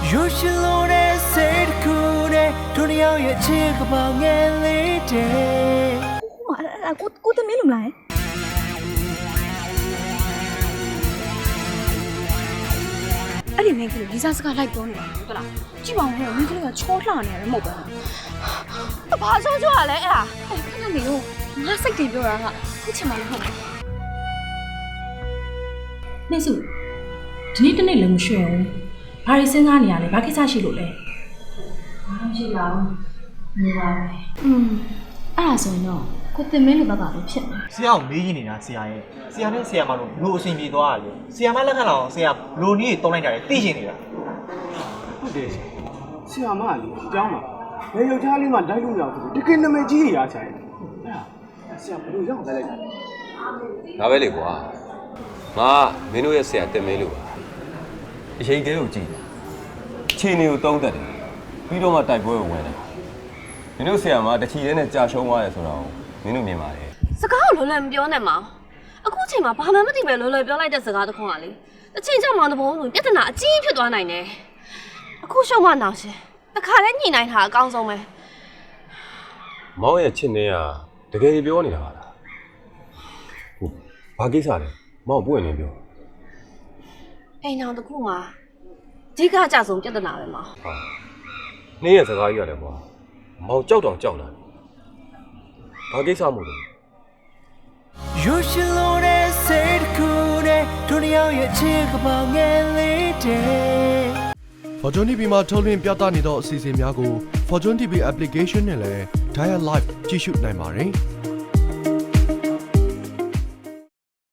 You should know that said cool day တို့နှစ်ယောက်ရဲ့ချစ်ကပောင်ငယ်လေးတဲ့ကိုတမင်းလို့မလားအဲ့ဒီမင်းကလေးလီစာစကားလိုက်ပြောနေတာဟုတ်လားကြည့်ပါဦးဟဲ့မင်းကလေးကချောလှနေရတယ်မဟုတ်ဘူးဘာချောရလဲအဲ့ဒါခဏနေရောငါစိတ်တွေပြောတာကခုချင်မှလည်းဟုတ်တယ်နေစုဒီနေ့တနေ့လည်းမရွှေဘူးဘာတွေစဉ်းစားနေရလဲဘာကိစ္စရှိလို့လဲဘာမှမရှိပါဘူးနေပါပဲအဲ့ဒါဆိုရင်တော့ကိုတင်မင်းလိုဘက်ကပဲဖြစ်နေဆရာကိုမေးရနေတာဆရာရဲ့ဆရာနဲ့ဆရာမတို့ဘလို့အဆင်ပြေသွားတာလေဆရာမလက်ခံလာအောင်ဆရာဘလို့နည်းတုံးလိုက်ကြတယ်သိရှင်နေတာဟုတ်တယ်ဆရာမလေးအကြောင်းပါဘယ်ယောက်ျားလေးမှလိုက်လို့ရအောင်ဆိုတကယ်နာမည်ကြီးရချင်အဲ့ဒါဆရာဘယ်လိုရောက်လိုက်တာလဲဒါပဲလေကွာငါမင်းတို့ရဲ့ဆရာတင်မင်းလို့ပါအချိန်ကလေးကိုကြည့်ခြေနေကိုတုံးတက်တယ်ပြီးတော့မှတိုက်ပွဲကိုဝင်တယ်မင်းတို့ဆရာမတချီလေးနဲ့ကြာရှုံးသွားတယ်ဆိုတော့မင်းတို့မြင်ပါလေစကားကိုလွယ်လွယ်မပြောနဲ့မောင်အခုချိန်မှာဘာမှမသိပဲလွယ်လွယ်ပြောလိုက်တဲ့စကားတစ်ခုကလေအချိန်ကြောင့်မောင်တဘုံဆိုပြဿနာအကြီးဖြစ်သွားနိုင်တယ်အခုရှုံးမနောင်ရှင်တခါလဲညှိနှိုင်းတာအကောင်းဆုံးပဲမောင်ရဲ့ချစ်နေရတကယ်ပြောနေတာပါလားဟုတ်ဘာကိစ္စလဲမောင်ပွင့်နေပြောအိမ်အောင်တစ်ခုမှာအဓိကကြဆုံးပြဿနာပဲမောင်ဟာနေ့ရဲ့စကားကြီးရတယ်ကွာမောင်ကြောက်တောင်ကြောက်လာတယ်ဘာကိစ္စမို့လဲ You should know that said cool day တို့နှစ်ယောက်ရဲ့ချစ်ကပောင်ငယ်လေးတဲ့ Fortune TV မှာထုတ်လွှင့်ပြသနေသောအစီအစဉ်များကို Fortune TV application နဲ့လည်း Dial Live ကြည့်ရှုနိုင်ပါတယ်။